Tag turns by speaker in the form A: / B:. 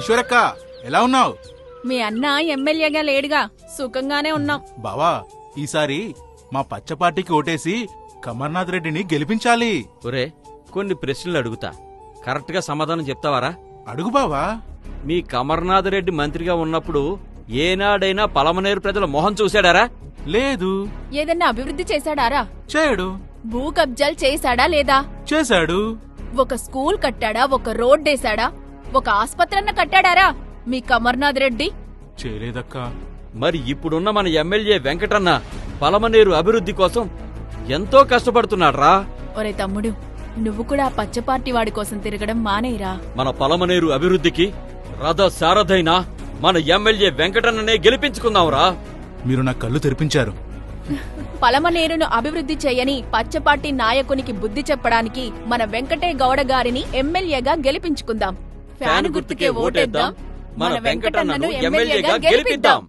A: ఈశ్వరక్క ఎలా ఉన్నావు?
B: మీ అన్న ఎమ్మెల్యేగా లేడుగా, సుఖంగానే ఉన్నాం.
A: బావా, ఈసారి మా పచ్చ పార్టీకి ఓటేసి కమర్నాథ్ రెడ్డిని గెలిపించాలి.
C: ఒరే, కొన్ని ప్రశ్నలు అడుగుతా, కరెక్ట్ గా సమాధానం చెప్తావారా?
A: అడుగు బావా.
C: మీ కమర్నాథ్ రెడ్డి మంత్రిగా ఉన్నప్పుడు ఏనాడైనా పలమనేరు ప్రజల మొహం చూశాడారా?
A: లేదు.
B: ఏదన్నా అభివృద్ధి చేశాడారా?
A: చేయడు.
B: భూ కబ్జాలు చేశాడా లేదా?
A: చేశాడు.
B: ఒక స్కూల్ కట్టాడా? ఒక రోడ్డేశాడా? ఒక ఆస్పత్రన్న కట్టాడారా మీ కమర్నాథ్ రెడ్డి?
A: చేయలేదక్కా.
C: మరి ఇప్పుడున్న మన ఎమ్మెల్యే వెంకటన్న పలమనేరు అభివృద్ధి కోసం ఎంతో కష్టపడుతున్నాడ్రా.
B: ఒరే తమ్ముడు, నువ్వు కూడా పచ్చ పార్టీ వాడి కోసం తిరగడం మానేరా.
C: మన పలమనేరు అభివృద్ధికి రథ సారథైన మన ఎమ్మెల్యే వెంకటన్ననే గెలిపించుకుందాంరా.
A: మీరు నా కళ్ళు తెరిపించారు.
B: పలమనేరును అభివృద్ధి చేయని పచ్చపార్టీ నాయకునికి బుద్ధి చెప్పడానికి మన వెంకటే గౌడ గారిని ఎమ్మెల్యేగా గెలిపించుకుందాం. ఫ్యాను గుర్తుకే ఓటేద్దాం, మన వెంకటన్నను ఎమ్మెల్యేగా గెలిపిద్దాం.